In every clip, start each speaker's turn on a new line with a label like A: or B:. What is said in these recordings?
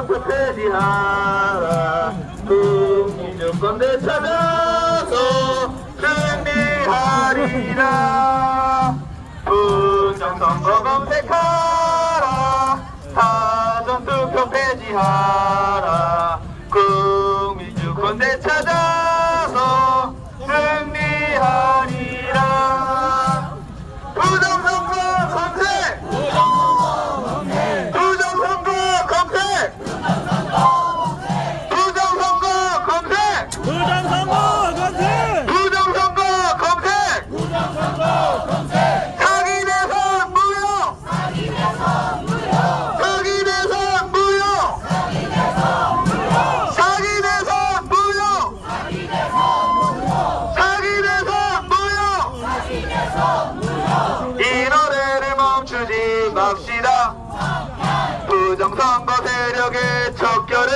A: 전투 폐지하라. 국민주권대 찾아서 승리하리라. 부정선거 검색하라. 사전투표 폐지하라. 국민주권대 찾아서 승리하리라. 부정선거 검색! 부정선거 검색! 부정선거 검색!
B: 부정선거 검색!
A: 부정선거 검색! 사기 대선 무효! 사기 대선 무효! 사기 대선 무효! 사기 대선 무효! 이 노래를 멈추지 맙시다. 부정선거 세력의 척결을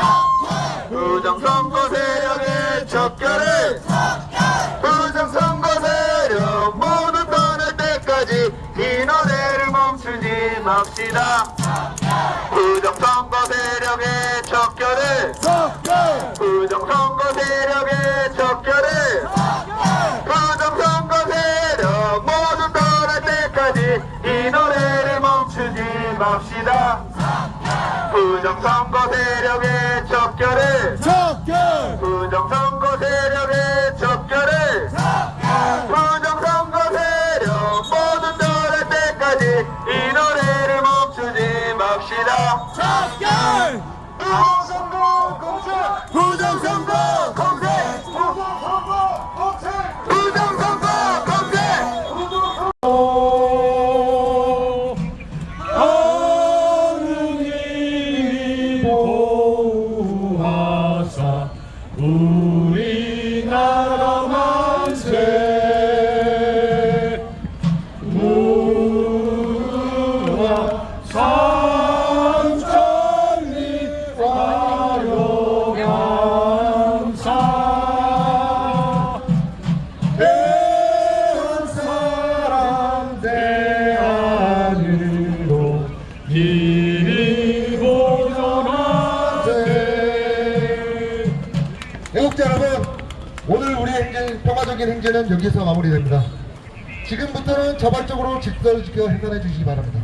A: 부정선거 세력의 척결을 부정선거 세력 모두 떠날 때까지 이 노래를 멈추지 맙시다. 부정선거 세력의 척결을 부정선거 세력의 척결을 부정선거 세력 모두 떠날 때까지 이 노래를 멈추지 맙시다. 부정선거 세력의 척결을 부정선거 세력의 척결을 부정선거 세력 모두 떠날 때까지 이 노래를 멈추지 맙시다. 부정선거 검색! 부정선거 검색! 부정선거 검색!
B: 하느님이 보호하사 우리나라 만세 무궁화 삼천리 화려감사 대한 사람 대안으로 길이 보존하세.
C: 애국자 여러분, 오늘 우리 행진, 평화적인 행진은 여기서 마무리됩니다. 지금부터는 자발적으로 질서를 지켜 행동해 주시기 바랍니다.